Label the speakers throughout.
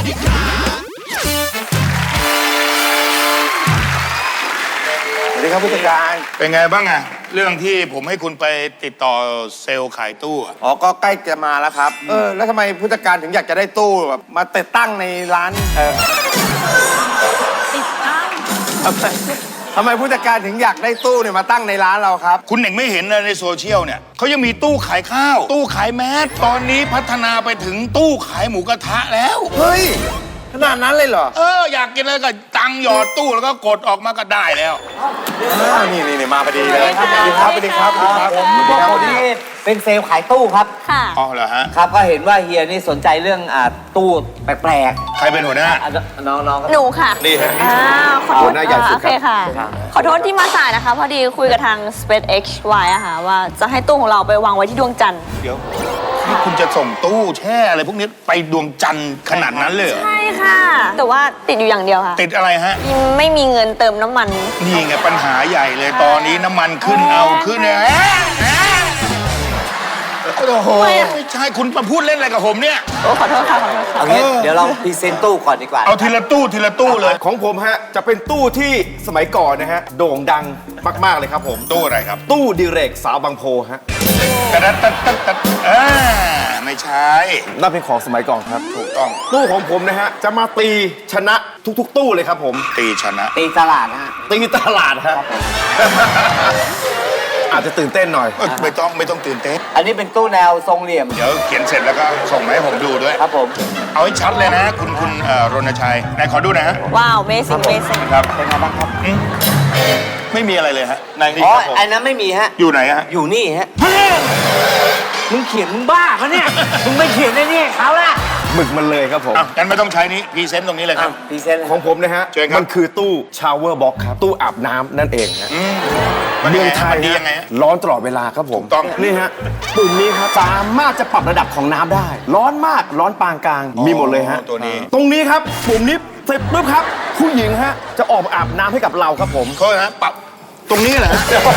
Speaker 1: สวัสดีครับผู้จัดการ
Speaker 2: เป็นไงบ้างอะเรื่องที่ผมให้คุณไปติดต่อเซลล์ขายตู้อะ
Speaker 1: อ๋อก็ใกล้จะมาแล้วครับแล้วทำไมผู้จัดการถึงอยากจะได้ตู้แบบมาติดตั้งในร้าน
Speaker 3: ติดตั้ง
Speaker 1: ทำไมผู้จัดการถึงอยากได้ตู้เนี่ยมาตั้งในร้านเราครับ
Speaker 2: คุณเน่งไม่เห็นเลยในโซเชียลเนี่ยเขายังมีตู้ขายข้าว ตู้ขายแมสตอนนี้พัฒนาไปถึงตู้ขายหมูกระทะแล้ว
Speaker 1: เฮ้ยขนาดนั้นเลยเหรอ
Speaker 2: อยากกินอะไรก็ตังหยอดตู้แล้วก็กดออกมาก็ได้แล้ว
Speaker 1: นี่มาพอดีเลยสวัสดีครับสวัสดีครับสวัสดีครับ
Speaker 4: พอดีเป็นเซลล์ขายตู้ครับ
Speaker 3: ค่ะ
Speaker 2: อ๋อเหรอฮะ
Speaker 4: ครับก็เห็นว่าเฮียนี่สนใจเรื่องตู้แปลก
Speaker 2: ใครเป็นหัวหน้า
Speaker 4: น้อง
Speaker 3: หนูค่ะ
Speaker 2: นี่ฮะ
Speaker 3: ขอโทษโอเคค่ะขอโทษที่มาสายนะคะพอดีคุยกับทาง SpaceX ไว้อะค่ะว่าจะให้ตู้ของเราไปวางไว้ที่ดวงจันทร์
Speaker 2: เดี๋ยวนี่คุณจะส่งตู้แช่อะไรพวกนี้ไปดวงจันทร์ขนาดนั้นเลย
Speaker 3: ใช่ค่ะแต่ว่าติดอยู่อย่างเดียวค่ะ
Speaker 2: ติดอะไรฮะ
Speaker 3: ไม่มีเงินเติมน้ำมัน
Speaker 2: นี่ไงปัญหาใหญ่เลยตอนนี้น้ำมันขึ้นเนี่ยโอ้โหไม่ใช่คุณมาพูดเล่นอะไรกับผมเนี่ย
Speaker 3: ขอโทษค่ะ
Speaker 4: เอางี้เดี๋ยวเราพรีเซนต์ตู้ก่อนดีกว่า
Speaker 2: เอาทีละตู้เลย
Speaker 1: ของผมฮะจะเป็นตู้ที่สมัยก่อนนะฮะโด่งดังมากๆเลยครับผม
Speaker 2: ตู้อะไรครับ
Speaker 1: ตู้ดิเรกสาวบางโพฮะ
Speaker 2: ตัดไม่ใช่
Speaker 1: นั่นเป็นของสมัยก่อนครับ
Speaker 2: ถูกต้อง
Speaker 1: ตู้ของผมนะฮะจะมาตีชนะทุกๆตู้เลยครับผม
Speaker 2: ตีชนะ
Speaker 4: ตีตลาดนะฮะ
Speaker 1: ตีตลาดฮะอาจจะตื่นเต้นหน่อย
Speaker 2: ไม่ต้องตื่นเต้น
Speaker 4: อันนี้เป็นตู้แนวทรงเหลี่ยม
Speaker 2: เดี๋ยวเขียนเสร็จแล้วก็ส่งมาให้ผมดูด้วย
Speaker 4: ครับผม
Speaker 2: เอาให้ชัดเลยนะคุณรณชัยไหนขอดูนะฮะ
Speaker 3: ว้าวเมซิ่ง
Speaker 2: ครับ
Speaker 4: เป็นไงบ้างครับ
Speaker 2: ไม่มีอะไรเลยฮะในนี้
Speaker 4: อ๋ออันนั้นไม่มีฮะ
Speaker 2: อยู่ไหนฮะ
Speaker 4: อยู่นี่ฮะมึงเขียนมึงบ้าเขาเนี่ยมึงไม่เขียนในนี่เขาละ
Speaker 1: หมึกมันเลยครับผม
Speaker 2: งั้นไม่ต้องใช้นี้พรีเซนต์ตรงนี้เลยครับ
Speaker 4: พรีเซนต์
Speaker 1: ของผมนะฮะมันคือตู้ชาวเวอร์บ็อกครับตู้อาบน้ำนั่นเองนะเมืองไทย
Speaker 2: ดียังไง
Speaker 1: ร้อนตลอดเวลาครับผม
Speaker 2: ต้อง
Speaker 1: นี่ฮะปุ่มนี้ครับสามารถจะปรับระดับของน้ำได้ร้อนมากร้อนปานกลางมีหมดเลยฮะ
Speaker 2: ตัวนี้
Speaker 1: ตรงนี้ครับปุ่มนี้เสร็จปุ๊บครับผู้หญิงฮะจะออกมาอาบน้ำให้กับเราครับผม
Speaker 2: เขาฮะปรับตรงนี้แหละ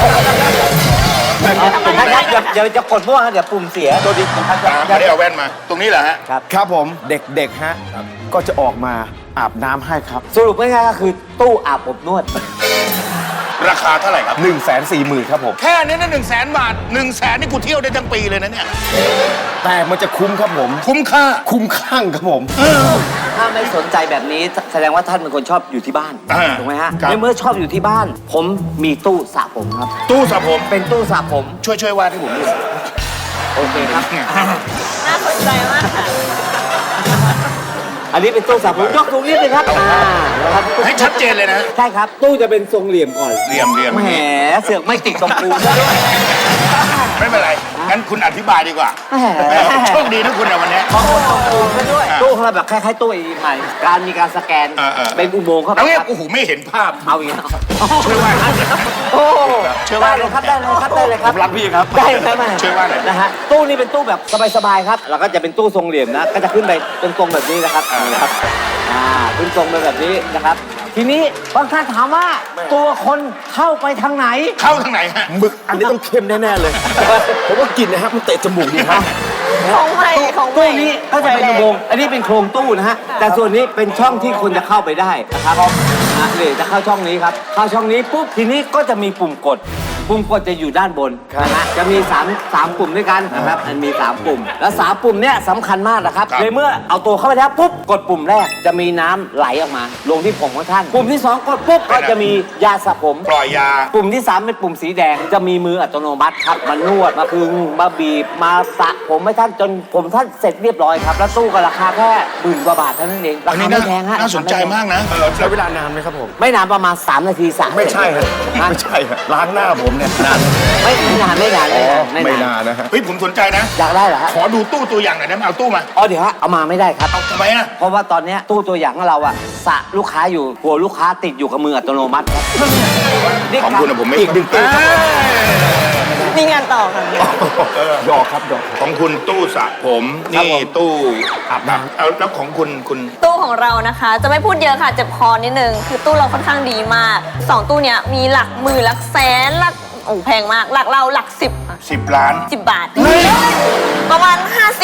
Speaker 4: อย่าจะกดมั่วฮะเดี๋ยวปุ่มเสีย
Speaker 2: ตัวดีไม่ได้เอาแว่นมาตรงนี้แหละฮะ
Speaker 1: ครับผมเด็กๆฮะก็จะออกมาอาบน้ำให้ครับ
Speaker 4: สรุปง่ายๆก็คือตู้อาบอบนวด
Speaker 2: ราคาเท่าไหร่ครับ
Speaker 1: 140,000ครับผม
Speaker 2: แค่นี้นะ100,000 บาท100,000นี่กูเที่ยวได้ทั้งปีเลยนะเนี่ย
Speaker 1: แต่มันจะคุ้มครับผม
Speaker 2: คุ้มค่า
Speaker 1: คุ้มข้างครับผม
Speaker 4: ถ้าไม่สนใจแบบนี้แสดงว่าท่านเป็นคนชอบอยู่ที่บ้านถูกไหมฮะในเมื่อชอบอยู่ที่บ้านผมมีตู้สระผมครับ
Speaker 2: ตู้สระผม
Speaker 4: เป็นตู้สระผม
Speaker 2: ช่วยวาดให้ผมดู
Speaker 4: โอเคครับ
Speaker 3: น่าสนใจมากค่ะ
Speaker 4: อันนี้เป็นตู้สระผมยกตรงนี้เลยครับ
Speaker 2: นะครับให้ชัดเจนเลยนะ
Speaker 4: ใช่ครับตู้จะเป็นทรงเหลี่ยมก่อน
Speaker 2: เหลี่ยม
Speaker 4: แหมเสือกไม่ติดตรงปูน
Speaker 2: ไม่เป็นไรงั้นคุณอธิบายดีกว่าโชคดีนะคุณในวันนี้
Speaker 4: ขอบคุณตรงปูนด้วยตู้ของเราแบบคล้ายๆตู้อีใหม่การมีการสแกนเป็นอุโมงค์เข้าไป
Speaker 2: ครับโอ้โหไม่เห็นภาพ
Speaker 4: เอาอย่างนี้
Speaker 2: ช่วยว่า
Speaker 4: โอ้ได้เลยครับได้เลยครับได้เลยครับ
Speaker 2: รักพี่ครับ
Speaker 4: ได้ครับ
Speaker 2: ช่วยว่าหน่อย
Speaker 4: นะฮะตู้นี้เป็นตู้แบบสบายๆครับแล้วก็จะเป็นตู้ทรงเหลี่ยมนะก็จะขึ้นไปตรงๆแบบนี้นะครับครับขึ้นทรงไปแบบนี้นะครับทีนี้บางท่านถามว่าตัวคนเข้าไปทางไหน
Speaker 2: เข้าทางไหนฮะ
Speaker 1: หมึกอันนี้ต้องเข้มแน่ๆเลยผมว่ากินนะฮะมันเตะจมูกดีครับ
Speaker 3: ของ
Speaker 4: ตู้นี้ก็จะเป็นอุโมงค์อันนี้เป็นโครงตู้นะฮะแต่ส่วนนี้เป็นช่องที่คนจะเข้าไปได้นะครับเลยจะเข้าช่องนี้ครับเข้าช่องนี้ปุ๊บทีนี้ก็จะมีปุ่มกดจะอยู่ด้านบนนะฮะจะมี3ปุ่มด้วยกันนะครับมันมี3ปุ่มแล้ว3ปุ่มเนี้ยสำคัญมากนะครับเลยเมื่อเอาตัวเข้าไปแล้วปุ๊บกดปุ่มแรกจะมีน้ำไหลออกมาลงที่ผมของท่านปุ่มที่2กดปุ๊บก็จะมียาสระผม
Speaker 2: ปล่อยยา
Speaker 4: ปุ่มที่3เป็นปุ่มสีแดงจะมีมืออัตโนมัติครับมานวดมาพึงมาบีบมาสระผมให้ท่านจนผมท่านเสร็จเรียบร้อยครับแล้วตู้ก็ราคาแค่10,000 กว่าบาทเท่านั้นเองราคาไม่แพงฮะ
Speaker 2: น่าสนใจมากนะ
Speaker 1: ใช้เวลานานไหมครับผม
Speaker 4: ไม่นานประมาณ3 นาทีสระ
Speaker 1: ไม่ใช่ครับไม่ใช่ล้างหน้าผมเนี่ยนาน
Speaker 4: ไม่นานนะฮะ
Speaker 2: เฮ้ยผมสนใจนะ
Speaker 4: อยากได้เหรอฮะ
Speaker 2: ขอดูตู้ตัวอย่างหน่อยได้ไหมเอาตู้มา
Speaker 4: เดี๋ยวฮะเอามาไม่ได้ครับ
Speaker 2: เอาทำไมอ่ะ
Speaker 4: เพราะว่าตอนนี้ตู้ตัวอย่างของเราอะสระลูกค้าอยู่หัวลูกค้าติดอยู่กับมืออัตโนมัติครับ
Speaker 2: ของคุณผมไม่
Speaker 1: อีกดึงตู้
Speaker 3: มีงานต่อค่ะ
Speaker 1: ดอกครับดอก
Speaker 2: ของคุณตู้สระผมนี่ตู้อาบน้ำเอาแล้วของคุณ
Speaker 3: ตู้ของเรานะคะจะไม่พูดเยอะค่ะเจ็บคอนิดนึงคือตู้เราค่อนข้างดีมาก2ตู้เนี้ยมีหลักหมื่นหลักแสนหลักแพงมากหลักเราหลัก10
Speaker 2: ล้าน
Speaker 3: 10 บาทประมาณ50ก็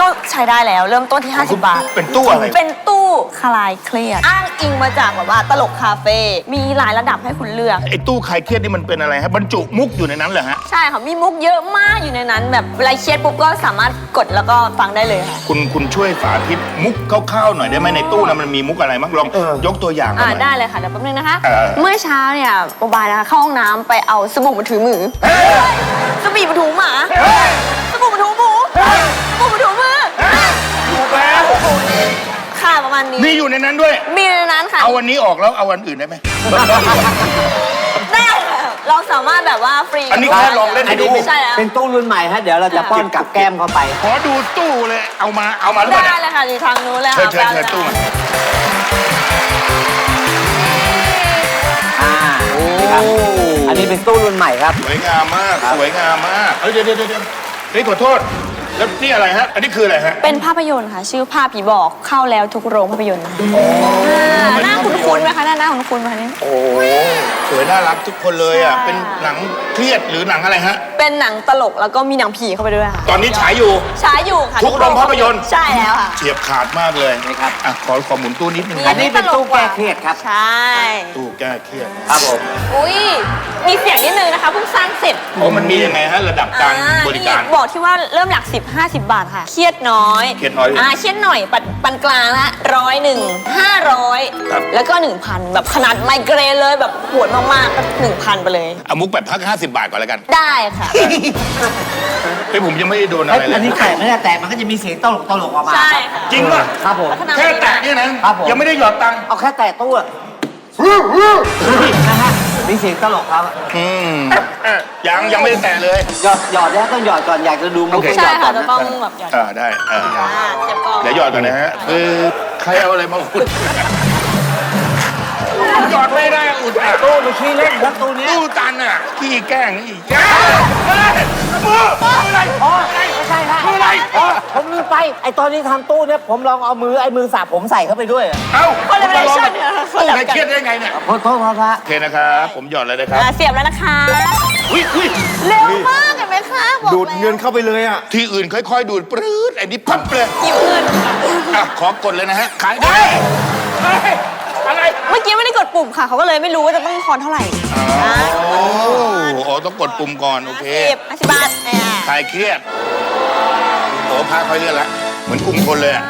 Speaker 3: ก็ใช้ได้แล้วเริ่มต้นที่ 50 บาท
Speaker 2: เป็นตู้อะไร
Speaker 3: เป็นตู้คลายเครียดอ้างอิงมาจากแบบว่าตลกคาเฟ่มีหลายระดับให้คุณเลือก
Speaker 2: ไอ้ตู้คลายเครียดนี่มันเป็นอะไรฮะบรรจุมุกอยู่ในนั้นเหรอฮะ
Speaker 3: ใช่ค่ะมีมุกเยอะมากอยู่ในนั้น แบบเวลาเครียดปุ๊บก็สามารถกดแล้วก็ฟังได้เลยค่ะ
Speaker 2: คุณช่วยสาธิตมุกคร่าวๆหน่อยได้ไหมในตู้นั้นมันมีมุกอะไรบ้างลองยกตัวอย่างมาหน่อย
Speaker 3: ได้เลยค่ะเดี๋ยวแป๊บนึงนะคะ
Speaker 2: เออ
Speaker 3: เมื่อเช้าเนี่ยโมบายนะคะเข้าห้องน้ำไปเอาสบู่มาถูมือสบู่มาถูหมาสบู่มาถูหมูสบู่มาถูมือ
Speaker 2: ถูกแล้ว
Speaker 3: ค่ะประมาณนี้
Speaker 2: นี่อยู่ในนั้นด้วย
Speaker 3: มีในนั้นค่ะ
Speaker 2: เอาวันนี้ออกแล้วเอาวันอื่นได้ไหม
Speaker 3: ได้ค่ะเราสามารถแบบว่าฟรี
Speaker 2: อันนี้แค่ลองเล่น
Speaker 4: อันนี้
Speaker 3: ใช่แล้ว
Speaker 4: เป็นตู้รุ่นใหม่ฮะเดี๋ยวเราจะป้อนกับแก้มเข้าไป
Speaker 2: ขอดูตู้เลยเอามาหรือเปล่า
Speaker 3: ได้
Speaker 2: เนี่ย
Speaker 3: เลยค่ะอยู่ทางนู้นเลย
Speaker 2: เชิ
Speaker 3: ค่ะ
Speaker 2: ญตู้มา
Speaker 4: นี่ครับอันนี้เป็นตู้รุ่นใหม่ครับ
Speaker 2: สวยงามมากสวยงามมากเฮ้ยเดี๋ยวเฮ้ยขอโทษแล้วนี่อะไรฮะอันนี้คืออะไรฮะ
Speaker 3: เป็นภาพยนตร์ค่ะ ชื่อภาพผีบอกเข้าแล้วทุกโรงภาพยนตร์ค่ะหน้าคุ้นๆไหมคะหน้าคุ้นๆไหมคะเนี่ย
Speaker 2: โอ้โหสวยน่ารักทุกคนเลยอ่ะ
Speaker 3: ใช่
Speaker 2: เป็นหนังเครียดหรือหนังอะไรฮะ
Speaker 3: เป็นหนังตลกแล้วก็มีหนังผีเข้าไปด้วยค่ะ
Speaker 2: ตอนนี้ฉายอยู่
Speaker 3: ฉายอยู่ค่ะ
Speaker 2: ทุกโรงภาพยนตร์
Speaker 3: ใช่แล้วค่ะ
Speaker 2: เฉียบขาดมากเลย
Speaker 4: นี่ครับ
Speaker 2: อ่ะขอหมุนตู้นิดนึง
Speaker 4: อันนี้เป็นตู้แก้เครียดครับ
Speaker 3: ใช่
Speaker 2: ตู้แก้เครียด
Speaker 4: ครับผม
Speaker 3: อุ้ยมีเสียงนิดนึงนะคะเพิ่งสร้างเสร็จ
Speaker 2: โอ้มันมียังไงฮะระดับการบริการ
Speaker 3: นี่บอกที่ว่าเริ่มหลัก10-50 บาทค่ะ เครียดน้อย
Speaker 2: เครียดน้อย
Speaker 3: เครียดหน่อยปานกลางละ101
Speaker 2: ครับ
Speaker 3: 500แล้วก็ 1,000 แบบขนาดไมเกรนเลยแบบปวดมากๆก็1,000 ไปเลย
Speaker 2: เอามุกแบบพัก50 บาทก่อนแล้วกัน
Speaker 3: ได้ค่ะ
Speaker 2: เฮ้ยผมยังไม่ได้โดนอะไรเล
Speaker 4: อันนี้
Speaker 2: ย
Speaker 4: แตะไม่ได้แตะมันก็จะมีเสียงตลกออกมา
Speaker 3: ใช่ค่ะ
Speaker 2: จริงป่ะ
Speaker 4: ครับผม
Speaker 3: พัฒนา
Speaker 2: แค่แตะเนี่ยนะครับ
Speaker 4: ผม
Speaker 2: ยังไม่ได้หยอดตังค์
Speaker 4: เอาแค่แตะตู้อะนะฮะมีเสียงตลกครับ
Speaker 2: ยังไม่ได้แตะเลย
Speaker 4: หยอดแล้วต้องหยอดก่อนอยากจะดูมุก
Speaker 2: โอเค
Speaker 4: ต้องห
Speaker 3: ใช่
Speaker 4: ยอดก่
Speaker 3: ค่ะ
Speaker 4: อน
Speaker 3: จะ
Speaker 4: นะ
Speaker 3: ต้องแบบหยอด
Speaker 2: ได้
Speaker 3: เจ็บกอง
Speaker 2: เดี๋ยวหยอดก่อนนะฮะใครเอาอะไรมาอุดหยอดไม่ได้อุดอ่ะ
Speaker 4: ตู้ดูขี้เล่นครับตู้เนี้ย
Speaker 2: ตู้ตันอ่ะขี้แกล้งนี่แกล้งมืออะไร
Speaker 4: อ๋อไม่ใช่ครับ
Speaker 2: มืออะไร
Speaker 4: ผมลืมไปไอตอนนี้ทำตู้เนี่ยผมลองเอามือสาบผมใส่เข้าไปด้วยอะ
Speaker 2: เอ้า
Speaker 3: คนละเวอร์ชันเนี่ย
Speaker 2: ตู้ใครเครียดได้ไงเนี่ย
Speaker 4: ขอโทษครับ
Speaker 2: โอเคนะครับผมหยอดเลยนะครับ
Speaker 3: เสียบแล้วนะคะ
Speaker 2: อุ้ย
Speaker 3: เร็วมากเห็นไหมคะบอก
Speaker 1: ดูดเงินเข้าไปเลยอ่ะ
Speaker 2: ที่อื่นค่อยๆดูดปรื๊ดไอ้นี่ปั๊บเลย
Speaker 3: หยิบเงิน
Speaker 2: อ่ะขอกดเลยนะฮะขายได้อะไร
Speaker 3: เมื่อกี้ไม่ได้กดปุ่มค่ะ เขาก็เลยไม่รู้ว่าจะต้องทอนเท่าไหร่นะ
Speaker 2: โอ้ต้องกดปุ่มก่อนโอเค
Speaker 3: 50 บาทเนี่ย
Speaker 2: คลายเครียดโอ้พาค่อยเลื่อนละเหมือนกลุ่มคนเลยอ่ะ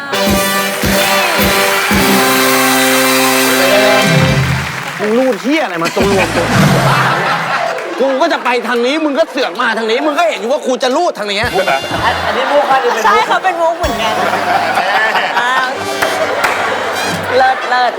Speaker 1: มึงรูดเที่ยอะไรมาตรงรวมตัวกูก็จะไปทางนี้ มึงก็เสือกมาทางนี้ มึงก็เห็นอยู่ว่ากูจะรูดทางนี้
Speaker 4: อันนี้มุกครับนี่เป็น
Speaker 3: ใช่
Speaker 4: มุก
Speaker 3: เขาเป็นมุกเหมือนกันอ้าวเลิศ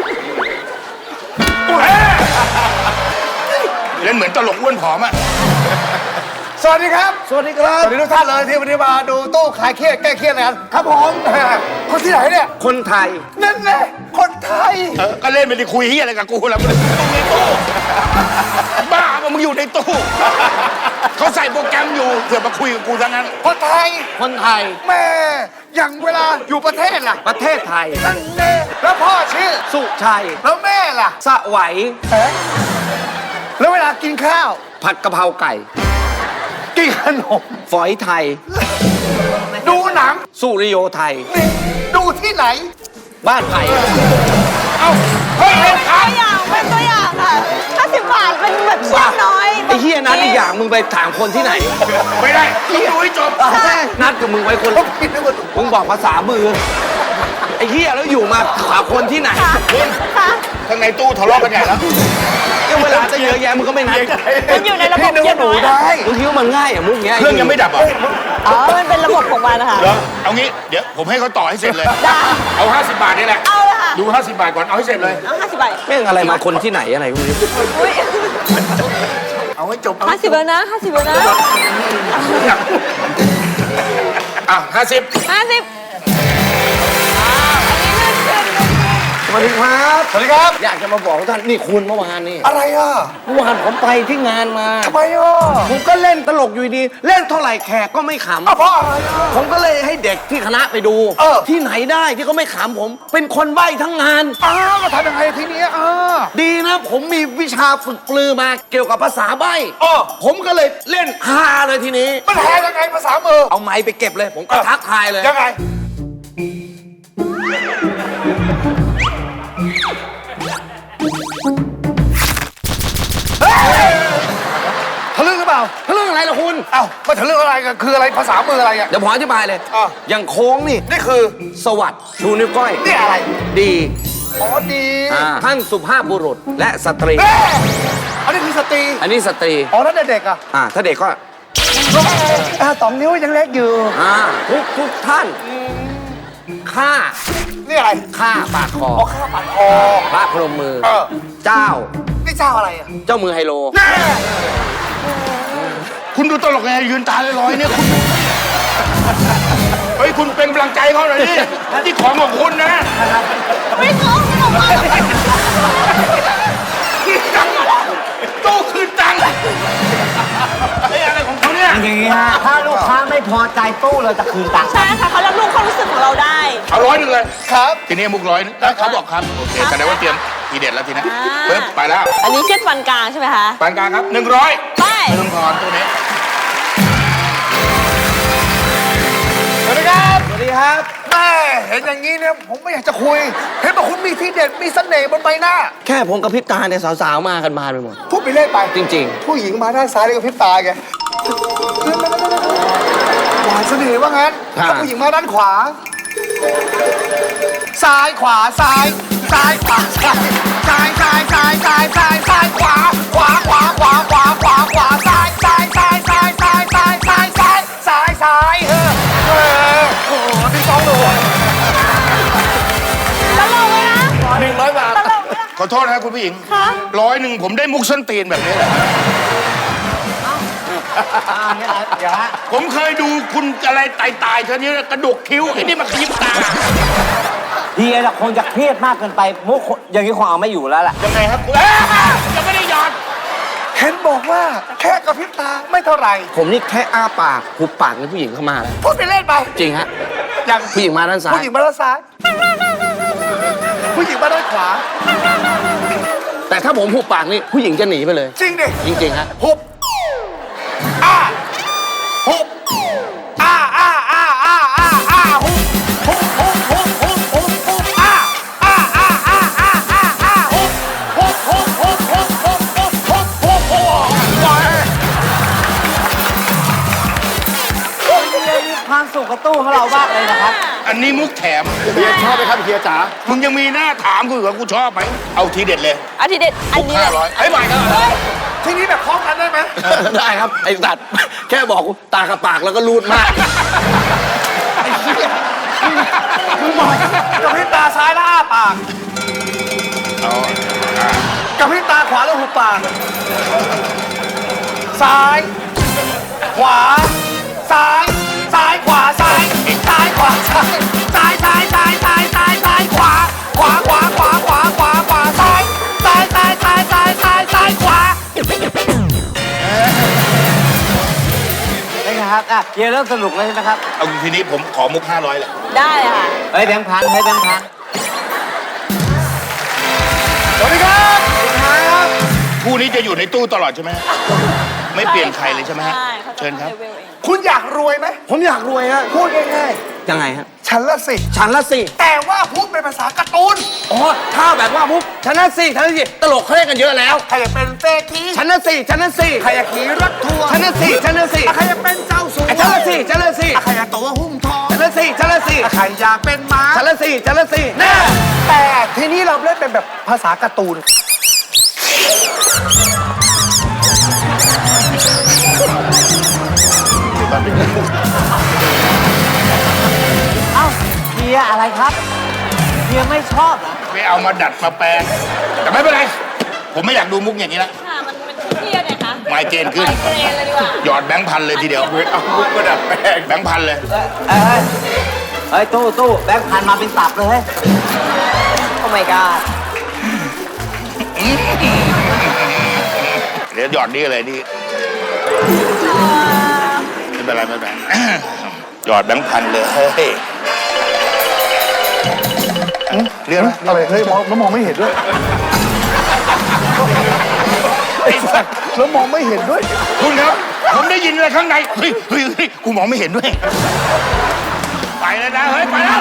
Speaker 2: เล่นเหมือนตลกอ้วนผอมอ่ะ
Speaker 1: สวัสดีครับ สวัสดีครับ สวัสดีทุกท่านเลยที่วันนี้มาดูตู้ขายเครียดแก้เครียดนะครับครับผมคนที่ไหนเนี่ย คนไทย นั่นแหละคนไทย
Speaker 2: ก็เล่นไปดิคุยเฮียอะไรกับกูแล้วมึงอยู่ในตู้บ้าปะมึงอยู่ในตู้เขาใส่โปรแกรมอยู่เสือกมาคุยกับกูทั้งนั้น
Speaker 1: คนไทย คนไทย แม่อย่างเวลาอยู่ประเทศล่ะ
Speaker 5: ประเทศไทย
Speaker 1: นั่นแน่แล้วพ่อชื่อ
Speaker 5: สุชัย
Speaker 1: แล้วแม่ล่ะ
Speaker 5: สะไหว
Speaker 1: แล้วเวลากินข้าว
Speaker 5: ผัดกะเพราไก่
Speaker 1: กินขนม
Speaker 5: ฝอยไทย
Speaker 1: ดูหนัง
Speaker 5: สุริโยไทย
Speaker 1: นี่ดูที่ไหน
Speaker 5: บ้านไผ่
Speaker 2: เอ้าเฮ้ย
Speaker 3: เป็นตัวอย่างค่ะ50 บาทเป็นแบบเชี่ยน้อย
Speaker 5: ไอ้เฮียนัดอีกอย่างมึงไปถามคนที่ไหน
Speaker 2: ไม่ได้ต้องดูให้จบ
Speaker 5: นัดกับมึงไว้คนมึงบอกภาษามือ ไอ้เฮียแล้วอยู่มาถามคนที่ไหน
Speaker 2: คุณ
Speaker 3: ค่ะ
Speaker 2: ข้างในตู้ทะเลาะกันใหญ่แล้ว
Speaker 5: ก็เวลาจะเยอะแยะมึงก็ไม่นัด
Speaker 3: มันอยู่ในระบบเชี่ยน้อย
Speaker 5: มึงคิดว่ามันง่ายอ่ะมุกเงี้ย
Speaker 2: เครื่องยังไม่ดับเหรอ
Speaker 3: อ๋อ มันเป็นระบบของมันนะคะ
Speaker 2: เหรอเอางี้เดี๋ยวผมให้เขาต่อให้เสร็จเลย
Speaker 3: ได้
Speaker 2: เอา 50 บาทนี่แหละ
Speaker 3: เอาเลยค่ะ
Speaker 2: ดู 50 บาทก่อนเอาให้เสร็จเลย
Speaker 3: เอา50 บาท
Speaker 5: แม่งอะไรมาคนที่ไหนอะไรพวกนี้
Speaker 3: อุ้ย
Speaker 1: เอาให้จบ
Speaker 3: 50แล้วนะ50แล้วนะ
Speaker 2: อ่ะ50
Speaker 3: 50อ้าวอันนี้เลื่อนขึ้น
Speaker 5: สวัสดีครับ
Speaker 1: สวัสดีครับ
Speaker 5: อยากจะมาบอกท่านนี่คุณเมื่อวานนี่
Speaker 1: อะไรอ่ะ
Speaker 5: เมื่อวานผมไปที่งานมา
Speaker 1: ทำไมอ่ะ
Speaker 5: ผมก็เล่นตลกอยู่ดีเล่นเท่าไหร่แขกก็ไม่ขำ
Speaker 1: อ่ะเพราะอะไรอ่ะ
Speaker 5: ผมก็เลยให้เด็กที่คณะไปดู ที่ไหนได้ที่เขาไม่ขำผม เป็นคนใบ้ทั้งงาน
Speaker 1: อ้าวมาทำยังไงทีเนี้ย
Speaker 5: ดีนะ ผมมีวิชาฝึกปลือมาเกี่ยวกับภาษาใบ้
Speaker 1: อ้อ
Speaker 5: ผมก็เลยเล่นฮาเลยทีนี้
Speaker 1: มันแหยังไงภาษามือ
Speaker 5: เอาไม้ไปเก็บเลย ผมก็ทักทายเลย
Speaker 1: ยังไงทะลึ่งหรือเปล่า
Speaker 5: เรื่องอะไรล่ะคุณ
Speaker 1: เอ้ามาทะลึ่งอะไรกันคืออะไรภาษามืออะไรอ่ะ
Speaker 5: เดี๋ยวผมอธิบายเลย
Speaker 1: อ่ะ
Speaker 5: อย่างโค้งนี่
Speaker 1: นี่คือ
Speaker 5: สวัสดิ์ชูนิ้วก้อย
Speaker 1: นี่อะไร
Speaker 5: ดี
Speaker 1: อ๋อดี
Speaker 5: ท่านสุภาพบุรุษและสตรี
Speaker 1: เอ๊ะอันนี้คือสตรี
Speaker 5: อันนี้สตรี
Speaker 1: อ๋อแล้วเด็กๆอ่ะ
Speaker 5: ถ้าเด็กก็
Speaker 1: 2 นิ้วยังเล็กอยู่
Speaker 5: ทุกท่านข้า
Speaker 1: นี่อะไร
Speaker 5: ข้าปาดคอ
Speaker 1: อ๋อข้าวผัดคอ
Speaker 5: พระพรหมมือ
Speaker 1: เออ
Speaker 5: เจ้า
Speaker 1: นี่เจ้าอะไรอ่ะ
Speaker 5: เจ้ามือไฮโล
Speaker 2: คุณดูตลกไงยืนตาลอยๆเนี่ยคุณเฮ้ยคุณเป็นกำลังใจเขาหน่อยดิที่ของของคุณนะ
Speaker 3: ไม่เอาไม่เอา
Speaker 2: ตู้คืนตังค์ไอ้อะไรของเขาเนี่ย
Speaker 4: อย่างนี้ฮะถ้าลูกค้าไม่พอใจตู้เราจะคืนตังค์
Speaker 3: ใช่ค่ะเขารับรู้ความรู้สึกของเราได้
Speaker 2: เอา100เลย
Speaker 1: ครับ
Speaker 2: ทีนี้มุก100แล้วเขาบอกครับโอเคแสดงว่าเตรียมทีเด็ดแล้วทีนี้
Speaker 3: อ่า
Speaker 2: ปึ๊บไปแล้ว
Speaker 3: อันนี้เช็ดฟันกลางใช่ไหมคะ
Speaker 2: ปานกลางครับ100
Speaker 3: ไป
Speaker 2: เริ่มก่อนตัวนี้
Speaker 1: สวัสดีครับ
Speaker 5: สวัสดีครับ
Speaker 1: แม่เห็นอย่างนี้เนี่ยผมไม่อยากจะคุย เห็นบอกคุณมีที่เด็ดมีเสน่ห์บนใบหน้า
Speaker 5: แค่ผมกับพริบตาเนี่ยสาวๆมากันมาไปหมด
Speaker 1: พูดไปเล่นไป
Speaker 5: จริง
Speaker 1: ผู้หญิงมาด้านซ้ายเลยกับพริบตาแกหวานเสน่ห์ว่างั้น
Speaker 5: ครับ
Speaker 1: ถ้าผู้หญิงมาด้านขวา ซ้ายขวาซ้ายซ้ายขวาซ้ายซ้ายซ้ายซ้ายซ้ายซ้ายซ้ายขวาขวาขวาขวาขวาขวาขวาซ้ายซ้ายซ้ายซ้ายซ้ายซ้ายซ้ายซ้ายซ้ายซ้ายโอ้โหพี่ต้องเลย
Speaker 3: ตลกเลยนะ
Speaker 1: 100 บาท
Speaker 3: ตลกเลยนะ
Speaker 2: ขอโทษนะครับคุณผู้หญิง
Speaker 3: คะ
Speaker 2: 100ผมได้มุกส้นตีนแบบนี้แหละ
Speaker 4: เดี๋ยวฮะ
Speaker 2: ผมเคยดูคุณอะไรตายๆเธอนี้กระดกคิ้วไอ้นี่มาขยิบตา
Speaker 4: เฮียน่ะคงจะเครียดมากเกินไปมุกอย่างนี้คงเอาไม่อยู่แล้วล่ะ
Speaker 2: ยังไงครับยังไม่ได้หยอด
Speaker 1: เห็นบอกว่าแค่กระพริบตาไม่เท่าไหร่
Speaker 5: ๆ ผมนี่แค่อ้าปากหุบปากในผู้หญิงเข้ามาแล้ว
Speaker 1: พูดไปเล่นไป
Speaker 5: จริงฮะ
Speaker 1: อย่าง
Speaker 5: ผู้หญิงมาด้านซ้าย
Speaker 1: ผู้หญิงมาด้านซ้าย ผู้หญิงมาด้านขวา
Speaker 5: แต่ถ้าผมหุบปากนี่ผู้หญิงจะหนีไปเลย
Speaker 1: จริงดิ
Speaker 5: จริงๆฮะ
Speaker 1: หุบอ้าหุบอ้าอ้าอ้าอ้าอ้าอ้าหุบหุบหุบหุบหุบหุบหุบอ้าอ้าอ้าอ้าอ้าอ้าอ้าหุบหุบหุบหุบหุบหุบหุบหุบหุบหุบ
Speaker 4: เฮียมีความสุขกับตู้ของเรามากเลยนะครับ
Speaker 2: อันนี้มุกแถม
Speaker 1: เฮียชอบไหมครับเฮียจ๋า
Speaker 2: มึงยังมีหน้าถามกูอีกว่ากูชอบไหมเอาทีเด็ดเลย
Speaker 3: อาทิตย์เด็ดอันนี้
Speaker 2: 500ไอ้ใหม่ก็
Speaker 1: ทีนี้แบบคล้องกันได้ไหม
Speaker 5: ได้ครับ ไอ้สัตว์แค่บอกตากับปากแล้วก็รูดมาก
Speaker 1: มึงบอกกระพริบตาซ้ายแล้วอ้าปาก
Speaker 2: เอา
Speaker 1: กระพริบตาขวาแล้วหุบปาก ซ้าย ขวา ซ้าย ซ้ายขวาซ้าย ซ้ายขวาซ้าย ซ้ายซ้ายซ้ายซ้ายซ้ายซ้ายขวา ขวาขวาขวาขวาขวาขวาซ้าย ซ้ายซ้ายซ้ายซ้ายซ้ายซ้ายขวา
Speaker 4: ได้ไงครับเฮียเริ่มสนุกแล้วใช่ไหมครับ
Speaker 2: เอาทีนี้ผมขอมุก500แหละ
Speaker 3: ได้เลยค่ะ
Speaker 4: เฮ้ยแบงค์พันให้แบงค์พัน
Speaker 1: สวัสดีครับ
Speaker 2: คู่นี้จะอยู่ในตู้ตลอดใช่ไหมไม่เปลี่ยนใครเลยใช่ไหมฮะ
Speaker 3: ใช่ขาจะ
Speaker 2: เชิญครับ
Speaker 3: ลวลเอง
Speaker 1: คุณอยากรวยไหม
Speaker 5: ผมอยากรวยฮะ
Speaker 1: พูดง่าย
Speaker 5: ยังไงฮะ
Speaker 1: ๆ ฉันละสิ
Speaker 5: ฉันละสิ
Speaker 1: แต่ว่าพูดเป็นภาษาการ์ตูน
Speaker 5: อ๋อถ้าแบบว่ามุกฉันละสิฉันละสิตลกเขาเล่นกันเยอะแล้ว
Speaker 1: ใครอยากเป็นเศรษฐี
Speaker 5: ฉันละสิฉันละสิ
Speaker 1: ใครอยากขี่รถทัวร์
Speaker 5: ฉันละสิฉันละสิ
Speaker 1: ใครอยากเป็นเจ้าสัว
Speaker 5: ฉันละสิฉันละสิ
Speaker 1: ใครอยากตัวหุ้มทอง
Speaker 5: ฉันละสิฉันละสิ
Speaker 1: ใครอยากเป็นม้า
Speaker 5: ฉันละสิฉันละสิ
Speaker 1: แน่แต่ทีนี้เราเล่นเป็นแบบภาษาการ์ตูน
Speaker 4: เอ้าเฮียอะไรครับเฮียไม่ชอบเหรอ
Speaker 2: ไม่เอามาดัดมาแปลง แต่ไม่เป็นไร ผมไม่อยากดูมุกอย่างนี้ละ
Speaker 3: ค่ะมันเครียดไงคะ
Speaker 2: ไมเกรนขึ้น
Speaker 3: ไมเกรนเลยดีกว่า
Speaker 2: หยอดแบงค์พันเลยทีเดียวเอามุกมาดัดแปลงแบงค์พันเลย
Speaker 4: เฮ้ยตู้แบงค์พันมาเป็นตับเลยเฮ้ย
Speaker 3: โอ้ my god
Speaker 2: เดี๋ยวหยอดนี่เลยนี่ไม่เป็นไรไม่เป็นไรหยอดแบงค์พันเลยเฮ้ยเรียกอะไร
Speaker 1: อะไร เฮ้ยมองแล้วมองไม่เห็นด้วย
Speaker 2: ไอ้สัตว์
Speaker 1: แล้วมองไม่เห็นด้วย
Speaker 2: คุณครับ ผมได้ยินอะไรข้างในเฮ้ยกูมองไม่เห็นด้วย ไปแล้วนะ เฮ้ย ไปแล้ว